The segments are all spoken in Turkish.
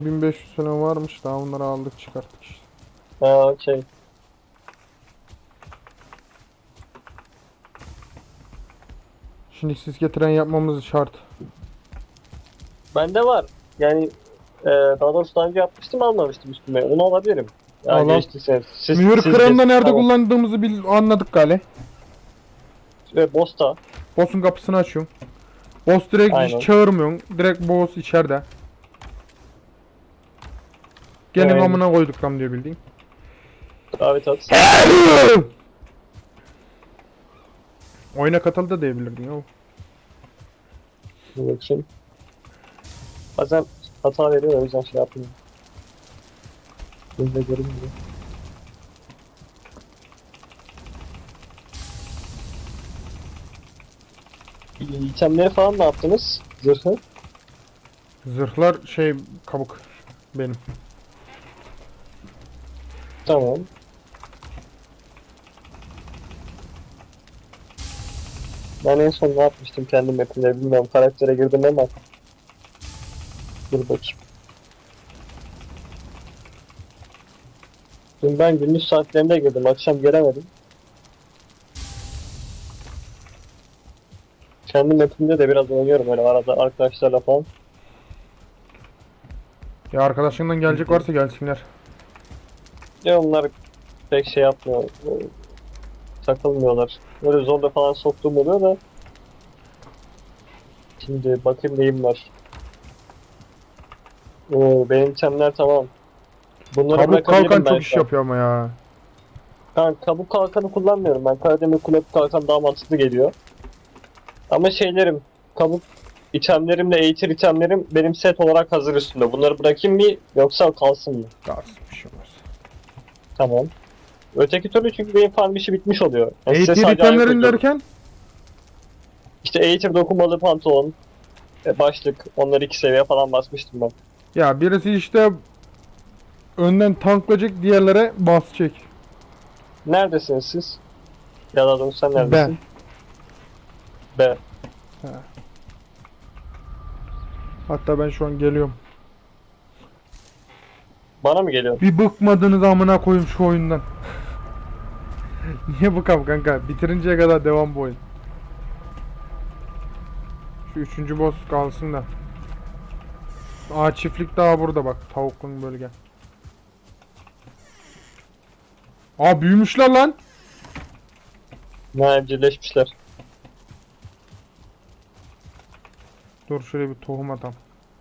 1500 falan varmış, daha onları aldık çıkarttık işte. Ha, okey. Şimdi siz getiren yapmamız şart. Bende var. Yani daha doğrusu daha önce yapmıştım almamıştım üstüme. Onu alabilirim. Ya Al al. geçtiyse Mühür siz kıranı da nerede tamam. kullandığımızı anladık gale. Ve Bosta. Boss'un kapısını açıyorum. Boss direkt hiç Aynen. çağırmıyorsun. Direkt boss içeride. Gelin Aynen. amına koyduk tam diyor bildiğin. Davet at. Oyuna katıl da diyebilirdin ya. Dur bakayım. Bazen hata veriyor o yüzden şey yapmıyorum. Bunu da görünmüyor. İtemleri falan ne yaptınız? Zırhı. Zırhlar şey kabuk benim. Tamam. Ben en son ne yapmıştım kendi mapimde bilmiyorum. Karaktere girdim ama. Dur bakayım. Dün ben gündüz saatlerinde girdim. Akşam gelemedim. Kendi mapimde de biraz oynuyorum öyle arada arkadaşlarla falan. Ya arkadaşından gelecek varsa gelsinler. Ya onlar pek şey yapmıyor. Takılmıyorlar. Böyle zorla falan soktuğum oluyor da. Şimdi bakayım neyim var. Oo, benim itemler tamam. Bunları Kabuk kalkan bırakabilirim ben çok iş şu an. yapıyor ama ya. Ben kabuk kalkanı kullanmıyorum. Ben Karademir kulüp kalkan daha mantıklı geliyor. Ama şeylerim, kabuk itemlerimle eğitir itemlerim benim set olarak hazır üstünde. Bunları bırakayım mı yoksa kalsın mı? Kalsın bir şey olmaz. Tamam. Öteki türlü çünkü benim farm işi bitmiş oluyor. Yani size Eğitir sadece ayak itemlerin uydururum. derken? İşte eğitim dokunmalı pantolon, başlık, onları 2 seviye falan basmıştım ben. Ya birisi işte önden tanklayacak, diğerlere basacak. Neredesiniz siz? Ya da doğrusu sen Ben. neredesin? B. Ha. Hatta ben şu an geliyorum. Bana mı geliyor? Bir bıkmadınız amına koyayım şu oyundan. Niye bıkam kanka? Bitirinceye kadar devam bu oyun. Şu üçüncü boss kalsın da. Aa, çiftlik daha burada bak. Tavuklu bölge. Aa, büyümüşler lan. Ne evcilleşmişler. Dur şöyle bir tohum atam.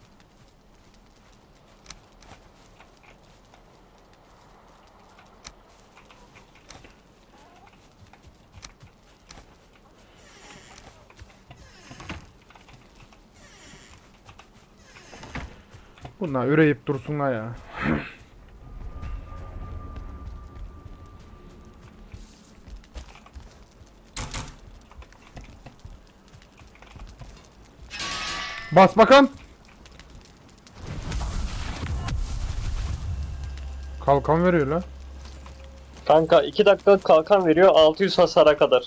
Bunlar üreyip dursunlar ya. Bas bakan. Kalkan veriyor la. Kanka 2 dakika kalkan veriyor 600 hasara kadar.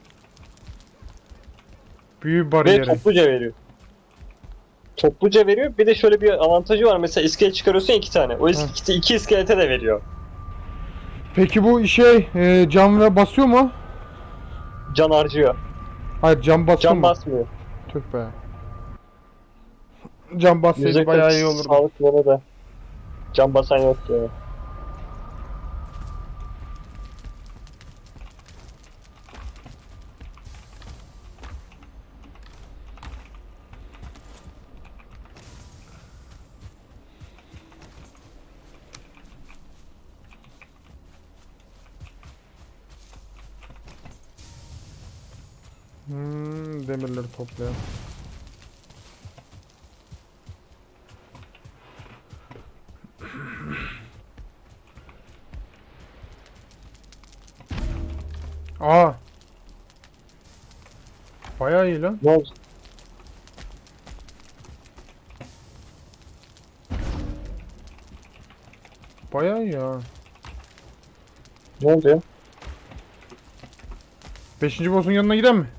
Büyü Ve bariyeri. topluca veriyor. Topluca veriyor. Bir de şöyle bir avantajı var. Mesela iskelet çıkarıyorsun 2 tane. O Heh. iki iskelete de veriyor. Peki bu şey cam ve basıyor mu? Can harcıyor. Hayır, cam basıyor Can mu? basmıyor. Tüh be. Cam bassaydı %40 bayağı iyi olurdu. sağlık yanı da. Can basan yok ya. Demirleri toplayalım. Aa, bayağı iyi lan. Ne oldu? Bayağı iyi ya. Ne oldu ya? Beşinci boss'un yanına gidelim mi?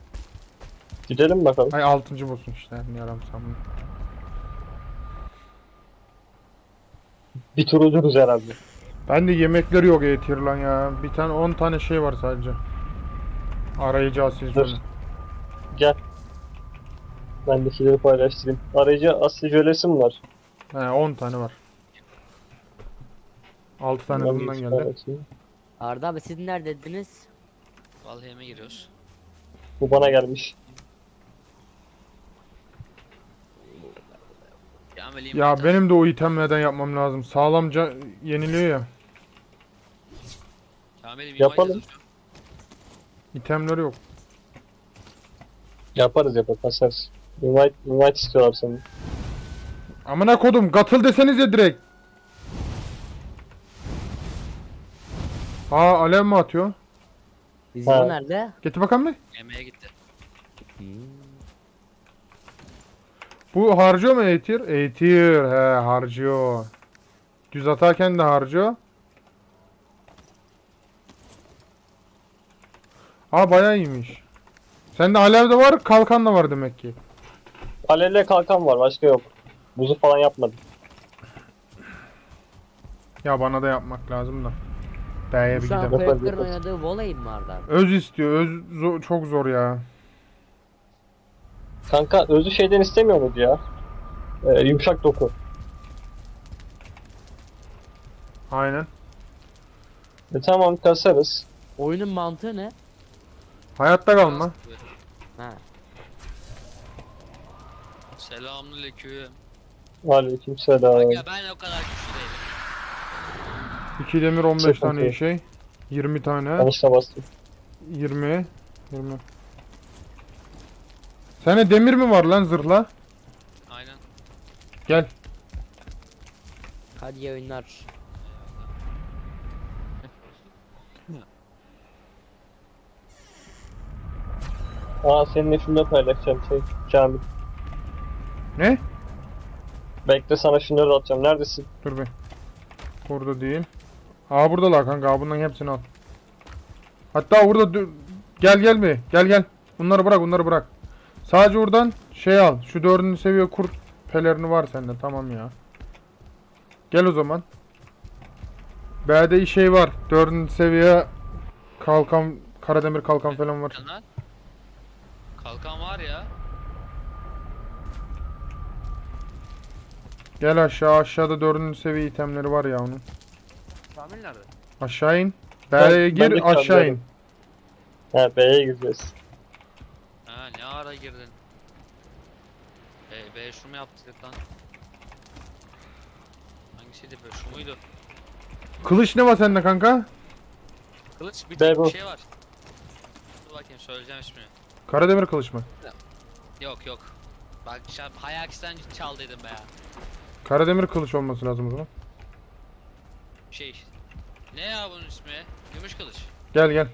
Gidelim bakalım. Ay, altıncı boss'un işte. Ne yaram sandım. Bir tur ucuruz herhalde. Ben de yemekleri yok Eğitir lan ya. Bir tane 10 tane şey var sadece. Arayıcı asil Dur. jöle. Gel. Ben de şeyleri paylaştırayım. Arayıcı Asya jölesi mi var? He 10 tane var. 6 tane de Ben bundan bir geldi. paylaşayım. Arda abi siz neredediniz? Vallahi yemeğe giriyoruz. Bu bana gelmiş. Kamil Ya benim de o itemlerden yapmam lazım. Sağlamca yeniliyor ya. Kamil'im Yapalım. İtemleri yok. Yaparız kasarız. Invite istiyorlar seni. Amına kodum katıl desenize direkt. Aa alev mi atıyor? Bizim Ha. o nerede? Getir bakalım bir. Yemeğe gitti. Bu harcıyor mu Eğitir? Eğitir he harcıyor. Düz atarken de harcıyor. Aa bayağı iyiymiş. Sende alev de var, kalkan da var demek ki. Alevle kalkan var, başka yok. Buzu falan yapmadım. Ya bana da yapmak lazım da. B'ye bir Şu an gidelim. Koyaklar'ın oynadığı voley mi Arda abi? Öz istiyor. Öz çok zor ya. Kanka özü şeyden istemiyor muydu ya? Yumuşak doku. Aynen. Tamam kasarız. Oyunun mantığı ne? Hayatta kalma. Ha. Selamünaleyküm. Aleykümselam. Aga ben o kadar güçlü değilim. 2 demir 15 Çok tane okey. şey. 20 tane. Yanlışla bastım. 20. 20. Sende demir mi var lan zırhla? Aynen. Gel. Hadi iyi oyunlar. Aa seninle şunu da paylaşacağım Kamil. Ne? Bekle sana şunları da atacağım. Neredesin? Dur be. Burada değil. Aa buradalar kanka. Aa, bunların hepsini al. Hatta burada gel gel bir. Gel gel. Bunları bırak, bunları bırak. Sadece oradan şey al. Şu 4. seviye kurt pelerini var sende. Tamam ya. Gel o zaman. B'de şey var. 4. seviye kalkan, karademir kalkan falan var. Lan. Kalkan var ya. Gel aşağı. Aşağıda 4. seviye itemleri var ya onun. Kamil nerede? Aşağı in. Ben B'ye de gir, aşağı in. çalıyorum. He B'ye gireceğiz. Ha ne ara girdin? B şu mu yaptık lan? Hangisiydi be? Şu muydu? Kılıç ne var sende kanka? Kılıç bir B tek bu. bir şey var. Dur bakayım söyleyeceğim ismini. Karademir kılıç mı? Yok yok. Bak Hayax'ten çaldıydım be ya. Karademir kılıç olması lazım o zaman. Şey. Ne ya bunun ismi? Gümüş kılıç. Gel gel.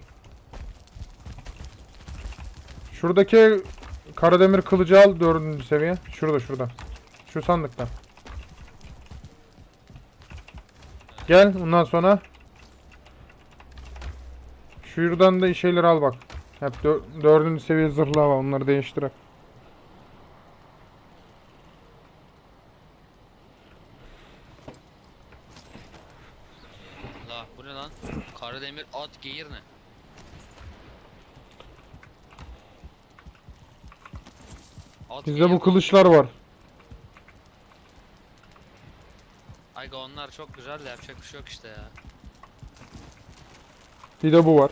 Şuradaki karademir kılıcı al 4. seviye. Şurada şurada. Şu sandıkta. Gel ondan sonra şuradan da şeyleri al bak. Hep 4. seviye zırhlar var, onları değiştirek. Allah bu ne lan? Karademir at geğir ne? At Bizde geğir bu mi? kılıçlar var. Ayga onlar çok güzel de yapacak bir şey yok işte ya. Bir de bu var.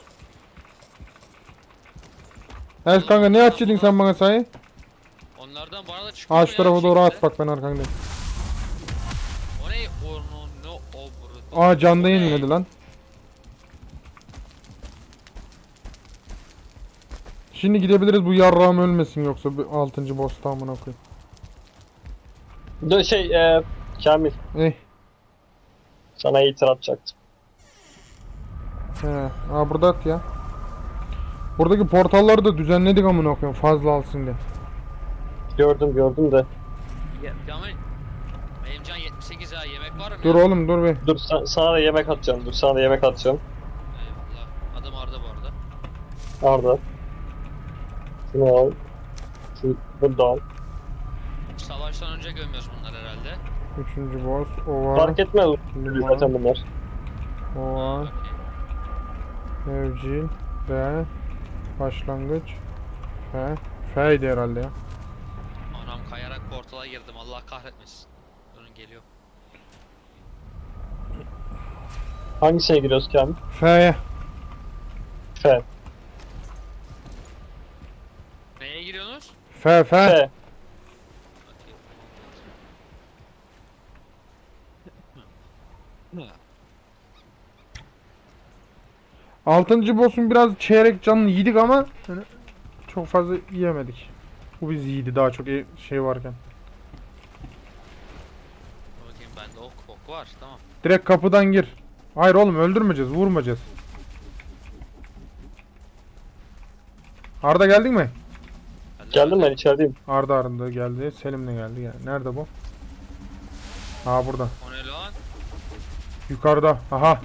Evet kanka ne açıyordun sen bana sahi? Onlardan bana da çıkıyor Aa şu ya tarafa bir doğru şekilde. at bak, ben arkandayım. O ne? Onu ne o burada? Aa canda yeniledi lan. Şimdi gidebiliriz, bu yarrağım ölmesin yoksa 6. boss tamamına koy. Kamil. Eh. Sana itir atacaktım. He. Aa burada at ya. Buradaki portalları da düzenledik amına koyayım fazla alsın diye. Gördüm de. Kamil. Benim can 78 ha yemek var mı? Dur ya? oğlum dur be. Dur sana da yemek atacağım. Eyvallah. Adım Arda bu arada. Arda. Şunu al. Bunu da al. Savaştan önce gömüyoruz bunları herhalde. Üçüncü boss. Ova. Fark etmez Liman. zaten bunlar. Ova. Okey. Evcil. Ve. Başlangıç. F. F'ydi herhalde ya. Anam kayarak portala girdim. Allah kahretmesin. Durun geliyor. Hangisine giriyoruz Kamil? F'ye. F. Neye giriyorsunuz? F. F. Okey. Altıncı boss'un biraz çeyrek canını yedik ama hani çok fazla yiyemedik. Bu biz yedi daha çok şey varken. Bakayım bende ok var. Tamam. Direkt kapıdan gir. Hayır oğlum öldürmeyeceğiz, vurmayacağız. Arda geldin mi? Geldim ben içerideyim. Arda geldi. Selim de geldi. Yani. Nerede bu? Ha burada. O ne lan? Yukarıda. Aha.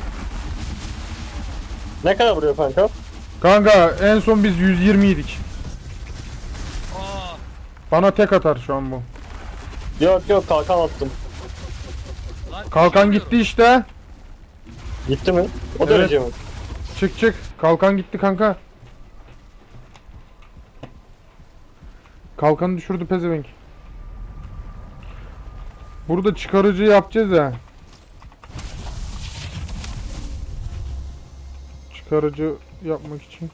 Ne kadar vuruyor kanka? Kanka en son biz 120 yedik. Aa! Bana tek atar şu an bu. Yok kalkan attım. Lan Kalkan düşüyorum. gitti işte. Gitti mi? O Evet. derece mi? Çık. Kalkan gitti kanka. Kalkanı düşürdü pezevenk. Burada çıkarıcı yapacağız ya. Çıkarıcı yapmak için.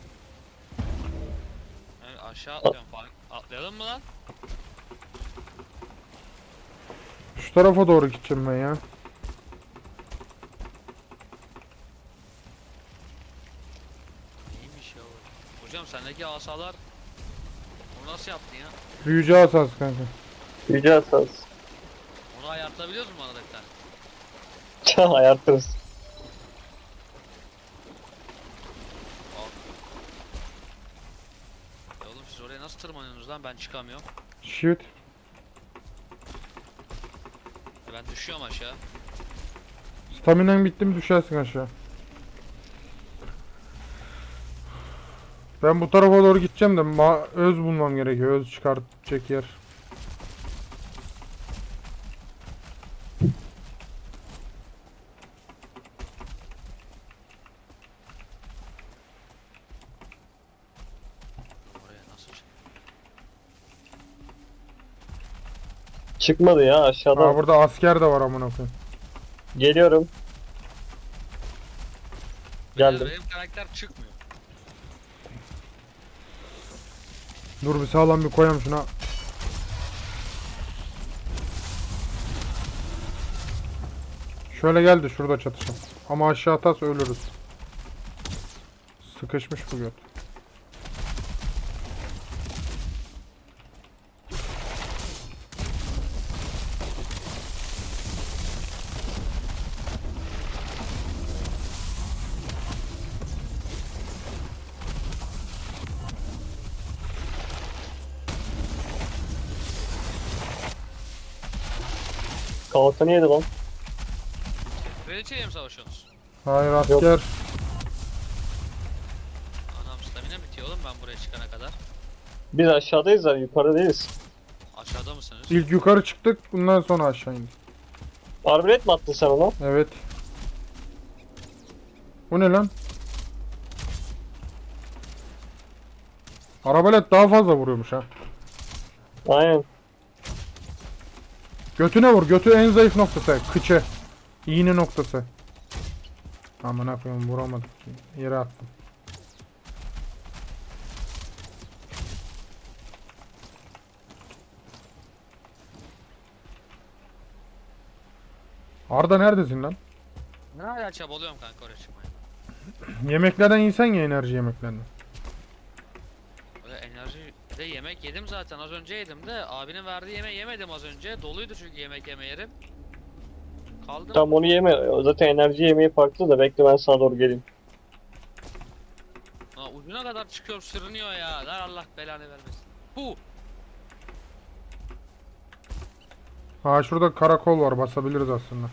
Yani aşağı atlıyorum falan. Atlayalım mı lan? Şu tarafa doğru gideceğim ben ya. İyiymiş ya o. Hocam sendeki asalar onu nasıl yaptın ya? Büyücü asas kanka. Yüce asas. Onu ayartabiliyoruz mu arada bir tane? Ayartırız. Ya oğlum siz oraya nasıl tırmanıyorsunuz lan? Ben çıkamıyorum. Shoot. Ben düşüyorum aşağı. Staminen bitti mi düşersin aşağı. Ben bu tarafa doğru gideceğim de öz bulmam gerekiyor. Öz çıkartacak yer. Oraya nasıl çık? Çıkmadı ya aşağıda. Aa burada asker de var amına koyayım. Geliyorum. Geldim. Benim karakter çıkmıyor. Dur bir sağlam bir koyalım şuna. Şöyle geldi şurada çatışalım. Ama aşağı atarsa ölürüz. Sıkışmış bu göt. Kalkanı yedi lan. Kraliçeyle mi savaşıyorsunuz? Hayır Yok. asker. Anam stamina bitiyor oğlum ben buraya çıkana kadar. Biz aşağıdayız da yukarıda değiliz. Aşağıda mısınız? İlk yukarı çıktık. Bundan sonra aşağı indik. Arbelet mi attın sen ona? Evet. Bu ne lan? Arabalet daha fazla vuruyormuş ha. Aynen. Götüne vur. Götü en zayıf noktası. Kıçı. İğne noktası. Aman koyayım vuramadık. Yere attım. Arda neredesin lan? Ne hala çabalıyorum kanka oraya çıkmaya. Yemeklerden insen ya enerji yemeklerinden. Böyle enerji de yemek yedim zaten az önce yedim de abinin verdiği yemeği yemedim az önce. Doluydu çünkü yemek yeme yerim. Kaldım. Tam onu yeme. Zaten enerji yemeği farklı da bekle ben sana doğru geleyim. Ha, ucuna kadar çıkıyorum sürünüyor ya. Lan Allah belanı vermesin. Bu. Ha şurada karakol var basabiliriz aslında.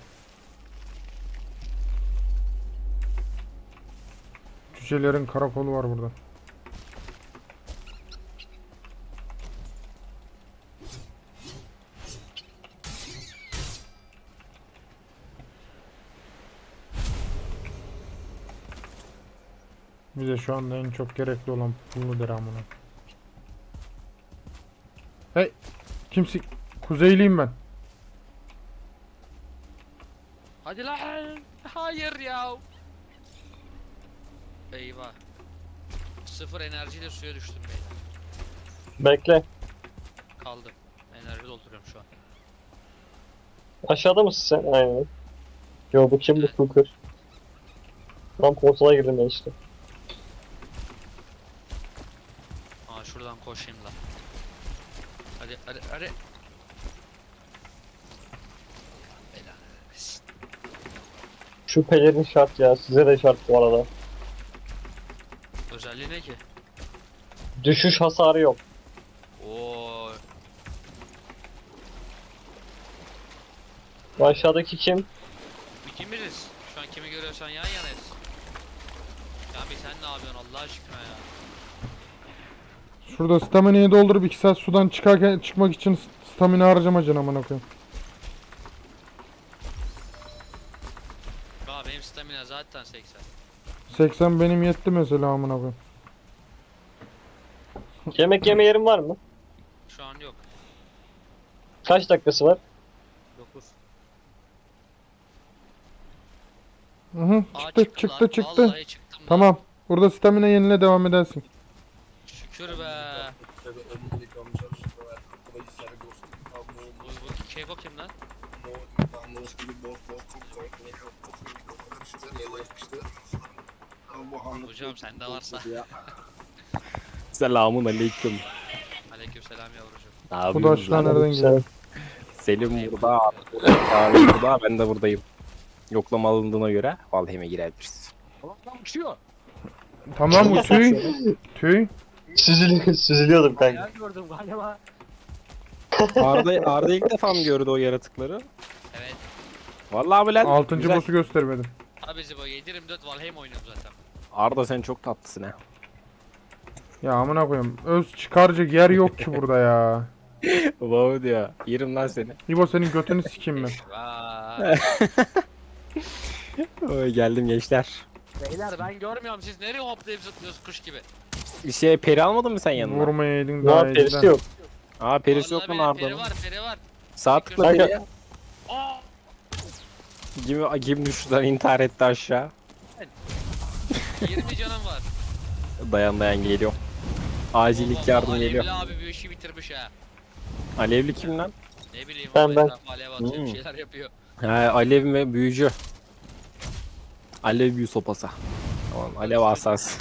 Cücelerin karakolu var burada. Bize şu anda en çok gerekli olan bunu der amına. Hey, kimsi? Kuzeyliyim ben. Hadi lan. Hayır ya. Eyvah. Sıfır enerjiyle suya düştüm beyler. Bekle. Kaldım. Enerji dolduruyorum şu an. Aşağıda mısın sen? Aynen. Yo bu kim bu Cooker? Tam konsola girdim ben işte. Aa şuradan koşayım lan. Hadi hadi hadi. Beyler. Şu pelerin şart ya. Size de şart bu arada. Özelliği ne ki? Düşüş hasarı yok. Oo. Bu aşağıdaki kim? İkimiziz. Şu an kimi görüyorsan yan yanayız. Ya bir sen ne yapıyorsun Allah aşkına ya? Şurada stamina'yı doldurup 2 saat sudan çıkmak için stamina harcamayacaksın amına koyayım. Aa benim stamina zaten 80. 80 benim yetti mesela amına koyayım. Yemek yeme yerin var mı? Şu an yok. Kaç dakikası var? 9. Hı hı, çıktı. Vallahi çıktım lan. Tamam. Burada stamina yenile devam edersin. Şükür be. Bu Keko kim lan? Hocam sende varsa. Selamun aleyküm. Aleykümselam yavrucuğum. Ne Bu yapıyorsunuz daşlar lan? nereden geliyor? Selim burada, Çağrı burada, ben de buradayım. Yoklama alındığına göre Valheim'e girebiliriz. Tamam bu tüy. Tüy. Süzülüyordum kanka. gördüm galiba. Arda ilk defa mı gördü o yaratıkları? Evet. Vallahi mi lan? 6. Güzel. boss'u göstermedim. Abi Zibo 7/24 Valheim oynuyorum zaten. Arda sen çok tatlısın ha. Ya amına koyayım. Öz çıkaracak yer yok ki burada ya. Wow diyor. Yerim lan seni. İbo senin götünü sikeyim mi? Vay. Oy, geldim gençler. Beyler ben görmüyorum siz nereye hoplayıp zıplıyorsunuz kuş gibi. Bir şey peri almadın mı sen yanına? Vurmayaydın Ne daha yap perisi iyiden. yok. Aa perisi yok Vallahi mu benim peri Arda'nın? var peri var. Sağ tıkla Kanka- periye. Aa! Kim düştü lan intihar etti aşağı. 20 canım var. Dayan geliyorum. Acillik Allah yardım Allah, geliyor. Alevli abi bir işi bitirmiş ha. Alevli kim lan? Ne bileyim Ben- abi ben. etrafa alev atıyor bir şeyler yapıyor. He alev ve büyücü. Alev büyü sopası. Tamam alev asas.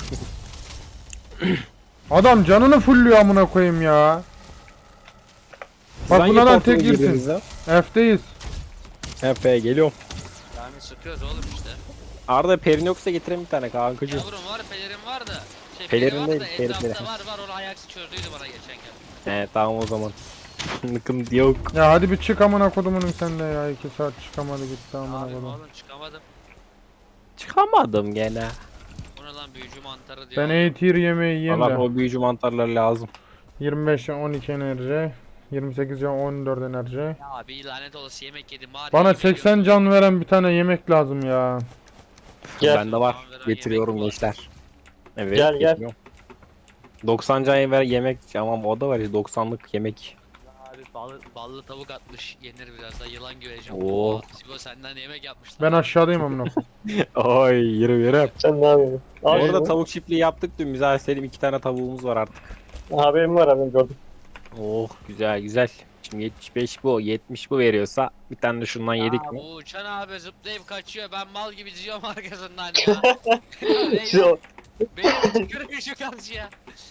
Adam canını fullüyor amına koyayım ya. Bak bunlardan tek girsin. F'deyiz. Efe geliyorum. Yani sıkıyoruz oğlum işte. Arda perin yoksa getirin bir tane kankacığım. Yavrum var pelerin var da. Şey, Pelerin peri var değil, da peri, etrafta peri. var onu ayaksi çözdüydü bana geçen gün. He tamam o zaman. Nıkım yok. Ya hadi bir çık amına kodumunun sen de ya. 2 saat çıkamadı gitti amına Abi kodum. oğlum çıkamadım. Çıkamadım gene. Bu ne lan büyücü mantarı diyor. Ben A-tier yemeği yiyeyim Allah de. o büyücü mantarları lazım. 25 ya 12 enerji. 28 ya 14 enerji. Ya abi lanet olası yemek yedim bari. Bana yemek 80 yiyorum. can veren bir tane yemek lazım ya. Gel. Bende var. Tamam, veren Getiriyorum yemek mi var? gençler. Evet Gel, gel. getiriyorum. 90 can ver yemek ama o da var ya 90'lık yemek. Abi ballı tavuk atmış yenir biraz da yılan güveci. Oo. Oo. Sibo senden yemek yapmışlar. Ben aşağıdayım amına koyayım. Oy yürü. Sen ne yapıyorsun? Al Orada şunu. tavuk çiftliği yaptık dün biz Selim 2 tane tavuğumuz var artık. Haberim var abi gördüm. Oh güzel. Şimdi 75 bu 70 bu veriyorsa bir tane de şundan yedik mi? Bu uçan abi zıplayıp kaçıyor ben mal gibi diziyorum arkasından ya. Siz o- Benim tükürüyor şu karşıya.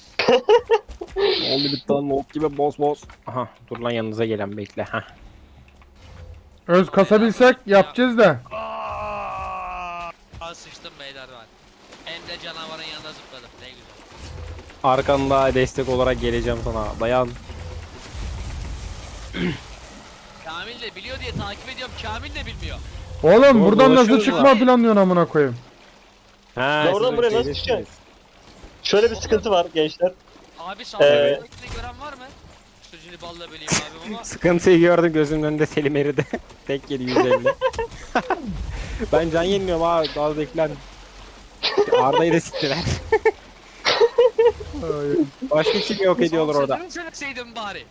Oldu bir tane ok gibi boz. Aha dur lan yanınıza gelen bekle. Hah. Öz kasabilsek yapacağız da. Aa, sıçtım beyler ben. Hem de canavarın yanına zıpladım ne güzel. Arkanda destek olarak geleceğim sana. Dayan. Kamil de biliyor diye takip ediyorum Kamil de bilmiyor. Oğlum Doğru, buradan nasıl dolaşıyoruz çıkma abi. planlıyorsun amına koyayım? Ha, Ya oradan siz buraya nasıl öyle çıkacaksın? şeydesiniz. Şöyle bir sıkıntı var gençler. Abi saldırıdakini gören var mı? Sütünü balla böleyim abim ama. Sıkıntıyı gördüm gözümün önünde Selim eridi. Tek yedi 150. Ben can yenmiyorum abi daha beklen. Arda'yı da siktiler. Başka kim yok ediyorlar orada. Sen söyleseydin bari.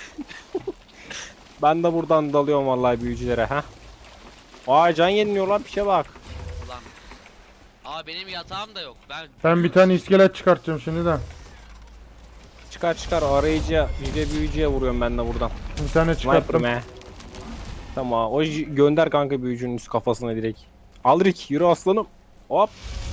Ben de buradan dalıyorum vallahi büyücülere ha. Aa can yeniliyorlar bir şey bak. Ulan. Aa benim yatağım da yok. Ben bir tane iskelet çıkartacağım şimdi de. Çıkar çıkar arayıcıya, yüce büyücüye vuruyorum ben de buradan. Bir tane Sniper'ım çıkarttım. he. Tamam o gönder kanka büyücünün üst kafasına direkt. Al Rick yürü aslanım. Hop.